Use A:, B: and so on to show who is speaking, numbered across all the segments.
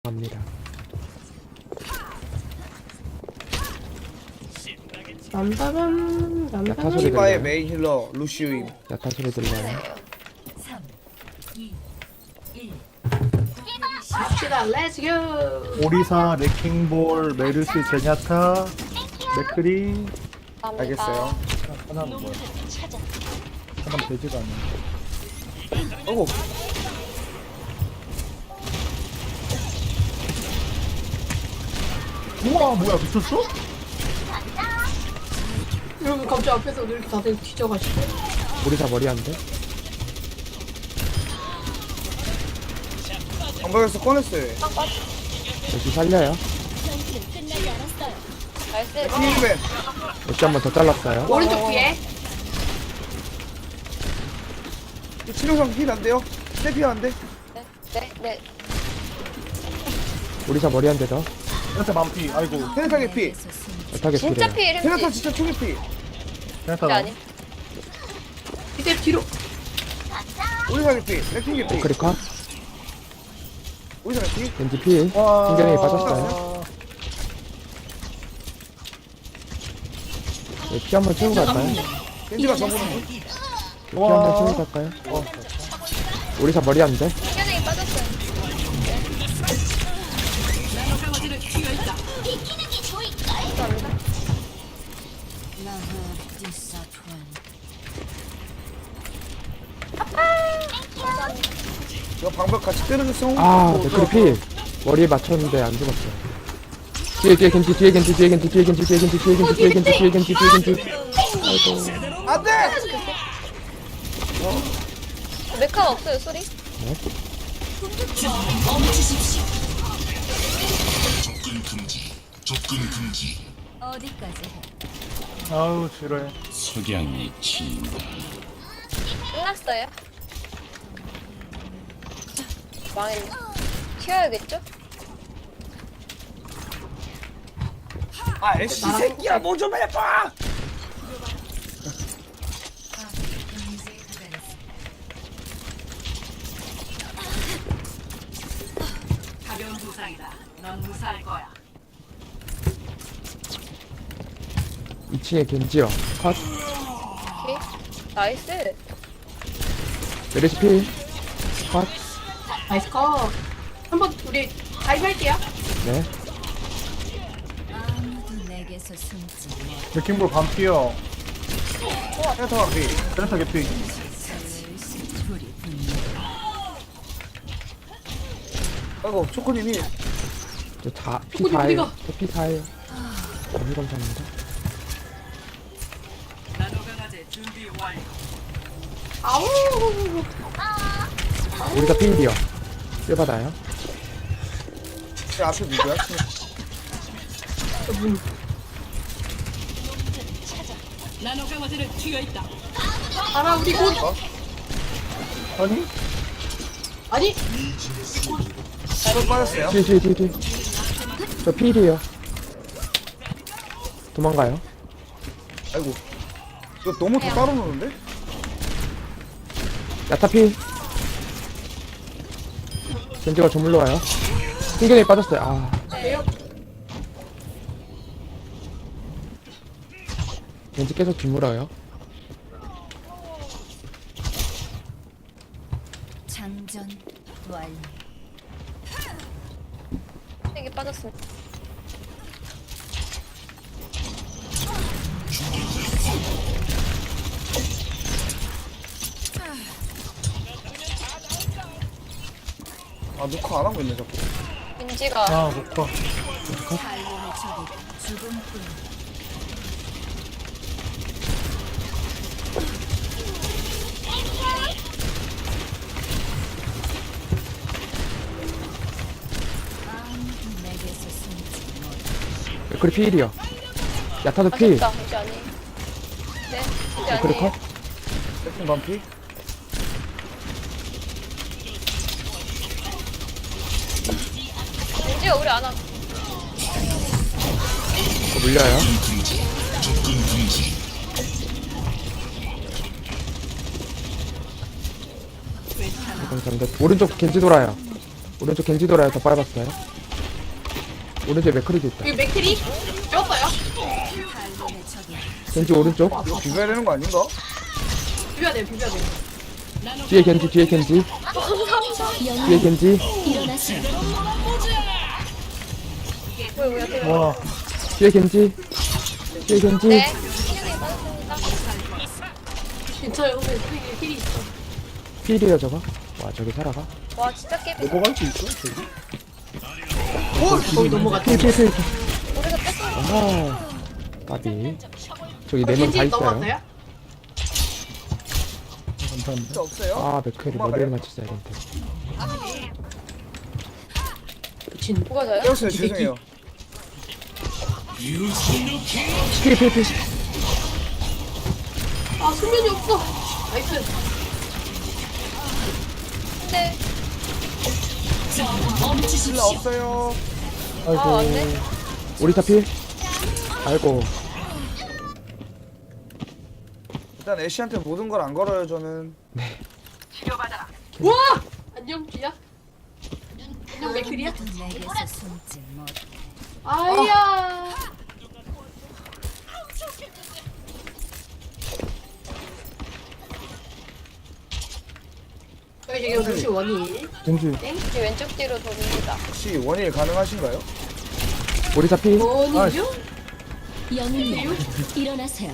A: 갑니다.
B: 람바밤
A: 야타
B: 람바밤
A: 소리
C: 디바의
A: 들려요?
C: 메인 힐러 루시우임.
A: 야타 소리 들려요?
B: 갑시다. 렛츠고.
D: 오리사, 레킹볼, 메르시, 제냐타, 맥크리.
C: 알겠어요.
D: 하나는 뭐야? 하나는 되지가 않네.
C: 어구.
D: 우와, 뭐야, 미쳤어?
B: 여러분 갑자기 앞에서 이렇게 다들 뒤져가지고.
A: 오리사 머리 안 돼?
C: 방벽에서 꺼냈어요.
A: 역시 살려요.
C: 힐맨.
A: 역시 한 번 더 잘랐어요.
B: 오른쪽 뒤에.
C: 치료상 힐 안 돼요? 세피어 안 돼?
E: 네.
A: 오리사 머리 한 대 더.
D: 제냐타 만피, 아이고.
C: 테네타게 피.
A: 야타게
E: 진짜
A: 피래요.
E: 피해
C: 테네타
E: 햄찌.
C: 진짜 초기 피.
D: 제냐타
E: 진짜 아니.
B: 이제 뒤로.
C: 오리사게 피. 레킹게 피.
A: 크리컷,
C: 오리사게 피.
A: 겐지 필. 신경이 빠졌어요. 네, 피 한 번 채우고 갈까요?
C: 겐지가 저보는
A: 피 한 번 채우고 갈까요? 오리사 머리 안 돼?
E: 신경이 빠졌어요.
C: 이거 방벽 같이 때려줬어.
A: 아, 맥크리 필. 머리에 맞췄는데 안 죽었어요. 뒤에 겐지, 뒤에 겐지, 뒤에 겐지, 뒤에 겐지, 뒤에 겐지, 뒤에 겐지, 뒤에 겐지, 뒤에 겐지, 뒤에 겐지. 아이고.
C: 안 돼!
E: 메카가 없어요 소리.
F: 어디까지 해?
D: 아우, 지루해.
G: 석양이 친다.
E: 끝났어요. 망했네. 튀어야겠죠?
C: 아, 애쉬 새끼야, 뭐 좀 해봐!
F: 가벼운 부상이다. 넌 무사할 거야.
A: 2층에 겐지요. 컷.
E: 오케이. 나이스.
A: 메르시 필. 컷.
B: 나이스 컷. 한번 우리 가입할게요.
A: 네.
F: 아무도 내게서 숨지 못.
D: 레킹볼 반피요.
C: 테네타 피.
D: 제냐타 개피.
F: 둘이 분명.
C: 아이고, 초코님 힐.
A: 저 피
B: 어디,
A: 4예요.
B: 어디가?
A: 저 피 4예요. 너무 감사합니다.
F: 나노강아지 준비 완료.
B: 아우.
A: 우리가 필이요. 뼈 받아요.
C: 제 앞에 누구야?
F: 나노강아지는 튀어 있다.
B: 알아 우리 곧.
D: 아니?
B: 아니.
C: 저 빠졌어요.
A: 뒤. 저 필이에요. 도망가요.
C: 아이고. 이거 너무 더 따로 노는데?
A: 야타 필. 겐지가 저물러 와요. 신경이 빠졌어요. 아. 겐지 계속 주물어요.
F: 장전 완료.
E: 이게 빠졌습니다.
C: 아, 녹화 안 하고 있네, 자꾸.
E: 민지가
D: 아, 못 가.
F: 살림의 적이 죽음뿐. 아무도 내게서 숨지 못.
A: 그리 필이요. 야타도 필.
E: 아쉽다. 이제 아니. 네. 이제
A: 그리
E: 아니에요.
A: 컷.
C: 레킹 반피.
E: 민지가 우리 안 와.
A: 물려요. 감사합니다. 오른쪽 겐지 돌아요. 더 빨았어요. 오른쪽에 맥크리도 있다.
B: 여기 맥크리 뼈어요.
A: 겐지 오른쪽.
C: 이거 비벼야 되는 거 아닌가?
B: 비벼야 돼요. 비벼야 돼요.
A: 뒤에 겐지, 뒤에 겐지. 뒤에 겐지.
D: 와,
A: 뒤에 겐지. 뒤에 겐지.
E: 네. 신경이 빠졌습니다.
B: 괜찮아요. 근데 힐이 있어.
A: 필이에요, 저거. 와, 저기 살아가.
E: 와 진짜 깨비.
D: 넘어갈 수 있어? 저기?
B: 거기 넘어갔다.
A: 필.
E: 우리가 뺐어.
A: 아, 까비. 저기 네 명 다
B: 겐지
A: 있어요.
B: 넘어갔어요?
D: 감사합니다.
C: 진짜 없어요?
A: 아, 맥크리 머리를 맞췄어야 되는데.
B: 미친.
E: 누가 저요?
C: 깨웠어요. 죄송해요.
A: 필.
B: 아 수면이 없어. 나이스.
E: 근데
C: 신라 없어요.
E: 아 안돼.
A: 오리사 필. 아이고.
C: 일단 애쉬한테 모든 걸 안 걸어요 저는.
F: 치료받아라.
B: 와 안녕 쥐야. 안녕 맥크리야. 아야. 여기 지금 루시 원이.
A: 겐지.
E: 이제 왼쪽 뒤로 돌립니다.
C: 혹시 원일 가능하신가요?
A: 오리사 필.
B: 원이요?
H: 영웅이여 일어나세요.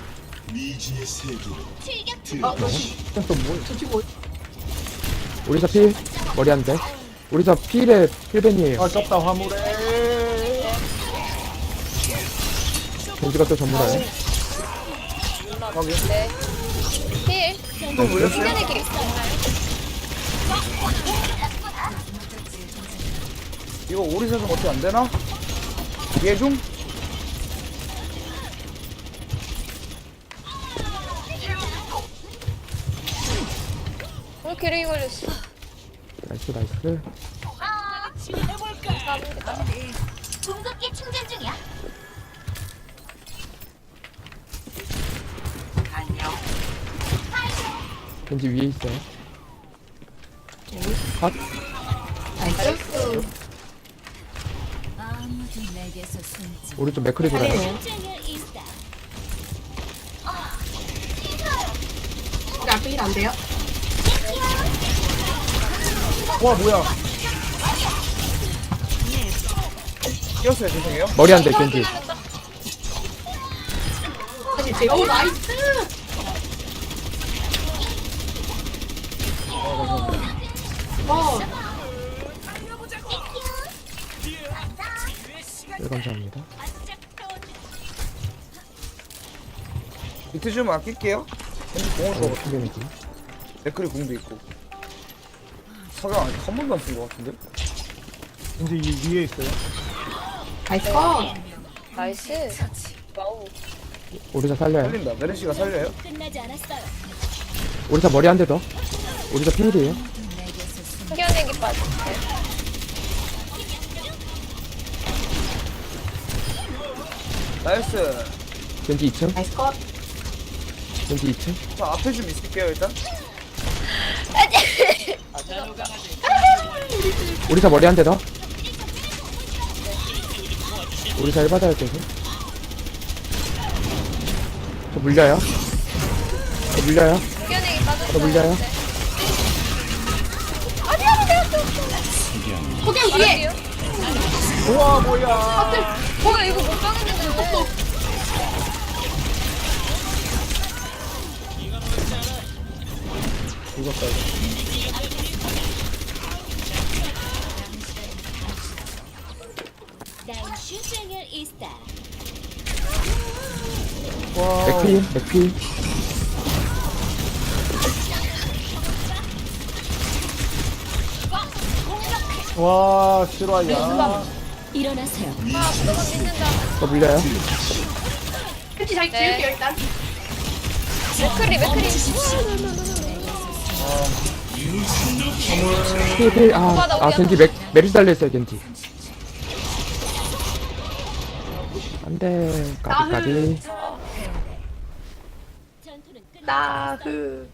B: 아
D: 또 뭐?
B: 저 지금
A: 오리사 필. 머리 한 대. 오리사 필에 필벤이에요.
D: 아깝다, 화물에.
A: 겐지가 또 전문화요.
E: 네. 힐.
C: 또 물렸어요?
E: 신전의 길.
C: 이거 오리사 좀 어떻게 안 되나? 이해 좀?
E: 왜 기르기 걸렸어?
A: 나이스, 나이스.
E: 감사합니다.
H: 궁극기 충전 중이야.
F: 안녕.
A: 겐지 위에 있어요. 컷.
B: 나이스.
H: 아무도 내게서 숨지.
A: 오른쪽 맥크리 돌아요.
B: 우리 앞에 힐 안 돼요?
C: 와 뭐야? 끼었어요 죄송해요.
A: 머리 한 대, 겐지.
B: 사실 제가 오 나이스. 어
A: 네, 감사합니다.
C: 비트 좀 아낄게요. 근데 공을
A: 어,
C: 줘.
A: 필벤이지.
C: 맥크리 공도 있고. 석양 아직 한 번도 안 쓴 것 같은데?
D: 근데 이 위에 있어요.
B: 나이스 컷.
E: 나이스. 와우.
A: 오리사 살려요.
C: 살린다. 메르시가 살려요?
H: 끝나지 않았어요.
A: 오리사 머리 한 대 더. 오리사 필이에요.
E: 신기한 빠졌어요.
C: 나이스.
A: 겐지 2층.
B: 나이스 컷.
A: 겐지 2층.
C: 저 앞에 좀 있을게요 일단.
A: 오리사 머리 한 대 더. 오리사 1받아야 계속. 저 물려요. 저 물려요.
E: 신기한 빠졌어요.
A: 저 물려요.
E: 아니야 내가 또.
B: 호경 뒤에.
D: 우와, 뭐야.
E: 뭐야 이거 못 박았는데.
D: 죽었다, 이거.
H: 난 슈쟁을 이스타.
A: 맥필, 맥필.
D: 와, 실화야.
H: 일어나세요.
E: 아 너가 믿는다.
A: 저 물려요.
B: 팬티 잘
E: 네.
B: 지울게요 일단.
E: 맥크리.
A: 필. 아, 겐지 메르시 달려있어요, 겐지. 안 돼. 까비.
H: 전투는 끝.
B: 나흑.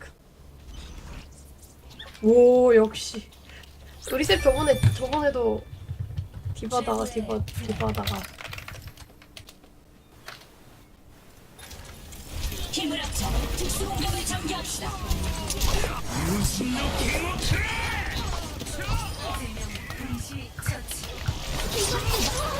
B: 오 역시. 우리 쌤 저번에도 디바다가.
H: 힘을 합쳐 특수 공격을 전개합시다.
F: 음식 처치.